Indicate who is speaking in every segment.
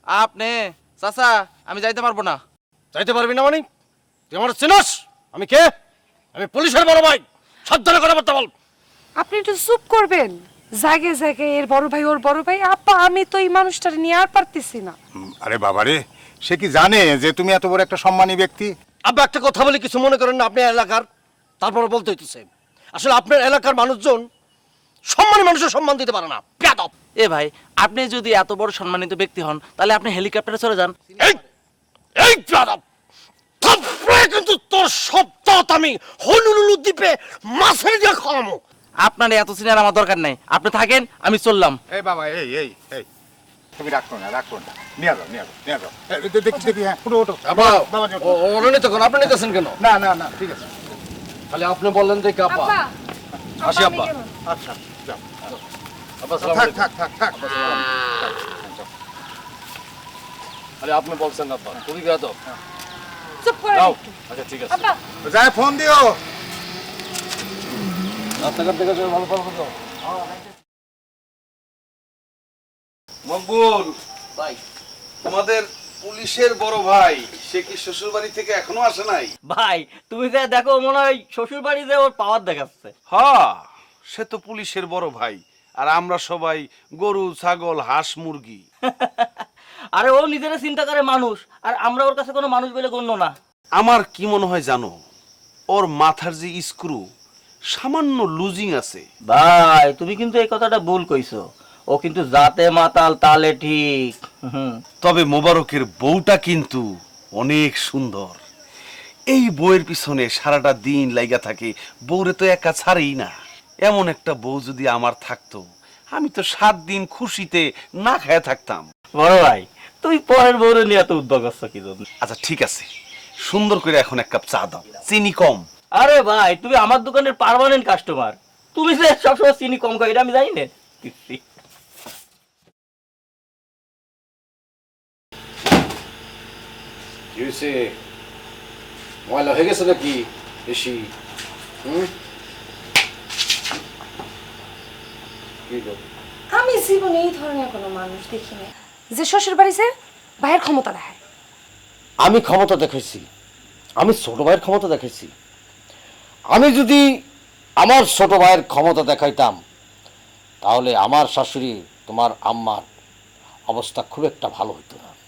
Speaker 1: আপনি চাচা আমি যাইতে পারবো না।
Speaker 2: যাইতে পারবি না মানে? তুই আমার চিনস? আমি কে? আমি পুলিশের বড় ভাই। সাবধানে কথাবার্তা বল।
Speaker 3: আপনি একটু চুপ করবেন। জায়গায় জায়গায় এর বড় ভাই ওর বড় ভাই। আপা আমি তো এই মানুষটারে নিয়ে আর পারতেছি না।
Speaker 4: আরে বাবারে, সে কি জানে যে তুমি এত বড় একটা সম্মানী ব্যক্তি?
Speaker 2: আব্বা একটা কথা বলে কিছু মনে করেন না আপনি এলাকার? তারপরে বলতে হইতেছে আসলে আপনার এলাকার মানুষজন সম্মানী মানুষের সম্মান দিতে পারে না। বেয়াদব।
Speaker 1: এ ভাই আপনি যদি এত বড় সম্মানিত ব্যক্তি হন তাহলে আপনি হেলিকপ্টারে চলে যান।
Speaker 2: এই এই বেয়াদব, তারপরে কিন্তু তোর সপ্তাহ আমি হলুলুলু দ্বীপে মাছের দিয়ে খাওয়াবো।
Speaker 1: আপনার এত সিনিয়র আমার দরকার নাই, আপনি থাকেন আমি চললাম।
Speaker 4: এই বাবা, এই এই এই তুমি রাখো না, রাখো না, নিয়ে যাও, নিয়ে যাও, নিয়ে যাও। দেখি দেখি, হ্যাঁ, ওঠো ওঠো।
Speaker 2: আব্বা
Speaker 4: বাবা যাও।
Speaker 2: ওরা নিতে কেন? আপনি নিতেছেন কেন?
Speaker 4: না না না, ঠিক আছে।
Speaker 2: খালি আপনি বললেন দেখি আব্বা। আসি আব্বা।
Speaker 4: আচ্ছা, যাও।
Speaker 2: আব্বা সালাম
Speaker 4: থাক
Speaker 2: আলাইকুম।
Speaker 4: থাক থাক থাক।
Speaker 2: খালি আপনি বলছেন আব্বা, খুবই বেয়াদব।
Speaker 3: চুপ করে
Speaker 2: যাও। আচ্ছা ঠিক আছে।
Speaker 3: আপা
Speaker 4: যাই ফোন দিও।
Speaker 2: রাস্তাঘাট থেকে যাও, ভালো ভালো যাও।
Speaker 5: মকবুল,
Speaker 1: ভাই
Speaker 5: তোমাদের পুলিশের বড় ভাই সে কি শ্বশুর বাড়ি থেকে এখনো আসে নাই?
Speaker 6: ভাই তুমি যে দেখো মনে হয় শ্বশুর বাড়িতে ওর পাওয়ার দেখাচ্ছে।
Speaker 5: হ্যাঁ, সে তো পুলিশের বড় ভাই, আর আমরা সবাই গরু ছাগল হাঁস মুরগি।
Speaker 6: আরে ও নিজেরা চিন্তা করে মানুষ, আর আমরা ওর কাছে কোনো মানুষ বলে গণ্য না।
Speaker 5: আমার কি মনে হয় জানো, ওর মাথার যে স্ক্রু সামান্য লুজিং আছে।
Speaker 6: ভাই তুমি কিন্তু এই কথাটা ভুল কইছো। ও কিন্তু জাতে মাতাল তালে ঠিক।
Speaker 5: তবে মোবারকের বউটা কিন্তু অনেক সুন্দর। এই বউয়ের পিছনে সারাটা দিন লাইগা থাকে, বউরে তো একা ছাড়েই না। এমন একটা বউ যদি আমার থাকতো, আমি তো 7 দিন খুশিতে না খায় থাকতাম।
Speaker 6: বড় ভাই তুমি পরের বউরে নিয়ে এত উদ্যোগ আসছো কি জন্য?
Speaker 5: আচ্ছা ঠিক আছে, সুন্দর করে এখন 1 কাপ চা দাও, চিনি কম।
Speaker 6: আরে ভাই তুমি আমার দোকানের পার্মানেন্ট কাস্টমার, তুমি যে সবসময় চিনি কম খাও এটা আমি জানি না।
Speaker 2: কি হয়েছে? ময়লা হয়ে গেছে নাকি বেশি? কি গো?
Speaker 3: আমি জীবনে এই ধরনের কোনো মানুষ দেখিনি যে শ্বশুর বাড়িতে ভাইয়ের ক্ষমতা দেখায়।
Speaker 2: আমি ক্ষমতা দেখাইছি, আমি ছোট ভাইয়ের ক্ষমতা দেখাইছি। আমি যদি আমার ছোট ভাইয়ের ক্ষমতা দেখাইতাম তাহলে আমার শাশুড়ি তোমার আম্মার অবস্থা খুব একটা ভালো হতো না।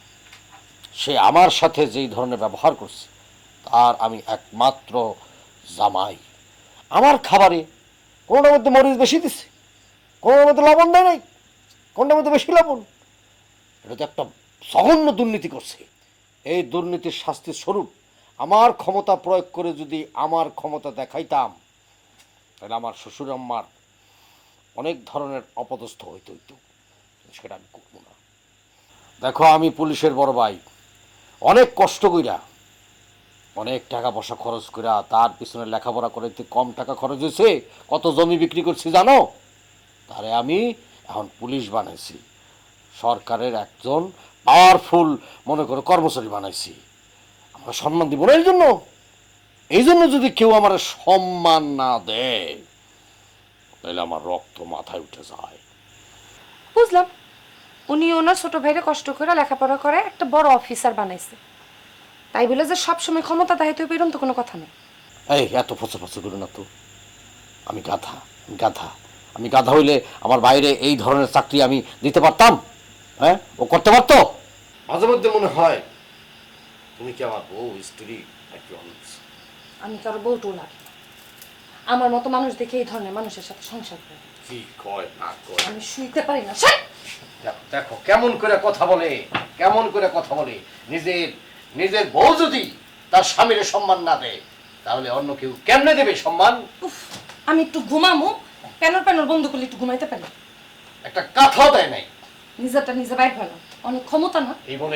Speaker 2: সে আমার সাথে যেই ধরনের ব্যবহার করছে তার আমি একমাত্র জামাই। আমার খাবারে কোনোটার মধ্যে মরিচ বেশি দিচ্ছে, কোনোটার মধ্যে লবণ দেয় নাই, কোনটার মধ্যে বেশি লবণ। এটা তো একটা জঘন্য দুর্নীতি করছে। এই দুর্নীতির শাস্তির স্বরূপ আমার ক্ষমতা প্রয়োগ করে যদি আমার ক্ষমতা দেখাইতাম তাহলে আমার শ্বশুর আম্মার অনেক ধরনের অপদস্থ হইতে হইতো, সেটা আমি করবো না। দেখো আমি পুলিশের বড় ভাই, অনেক কষ্ট কইরা অনেক টাকা পয়সা খরচ কইরা তার পিছনে লেখাপড়া করাইতে কম টাকা খরচ হয়েছে। কত জমি বিক্রি করছি জানো? তারে আমি এখন পুলিশ বানাইছি, সরকারের একজন পাওয়ারফুল মনে করে কর্মচারী বানাইছি। আমরা সম্মান দিব না এই জন্য যদি কেউ আমার সম্মান না দেয় তাহলে আমার রক্ত মাথায় উঠে যায়।
Speaker 3: বুঝলাম, উনি ওনার ছোট ভাইরে কষ্ট করে লেখাপড়া করে একটা বড় অফিসার বানাইছে, তাই বলে যে সবসময় ক্ষমতা দেখাইতে হবে এরকম তো কোনো কথা নেই।
Speaker 2: এই এত ফসা ফসা করো না তো। আমি গাধা, গাধা। আমি গাধা হইলে আমার বাইরে এই ধরনের চাকরি আমি দিতে পারতাম? হ্যাঁ, ও করতে পারতো? মাঝে মধ্যে মনে হয় তুমি কি আমার বউ স্ত্রী নাকি অন্য?
Speaker 3: আমি কারো বউটু লাগে না। আমার মতো মানুষ দেখে এই ধরনের মানুষের সাথে সংসার করে
Speaker 2: কি কয় না কয়?
Speaker 3: আমি শুইতে পারি না। ছাই!
Speaker 2: দেখো কেমন করে কথা বলে, কেমন করে কথা বলে। নিজের নিজের বউ যদি তার স্বামীর সম্মান না দেয় তাহলে অন্য কেউ কেমনে দেবে সম্মান?
Speaker 3: উফ, আমি একটু ঘুমামো, প্যানর প্যানর বন্ধ করলে একটু ঘুমাইতে পারি।
Speaker 2: একটা কথাও দেয় নাই।
Speaker 3: নিজেরটা নিজে বাইর হয় না, অনেক ক্ষমতা না।
Speaker 2: এই বলে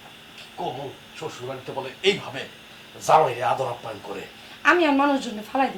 Speaker 2: কোন শ্বশুর বাড়িতে বলে এইভাবে জামাইরে আদর আপ্যায়ন করে?
Speaker 3: আমি আর মানুষজনে ফালাই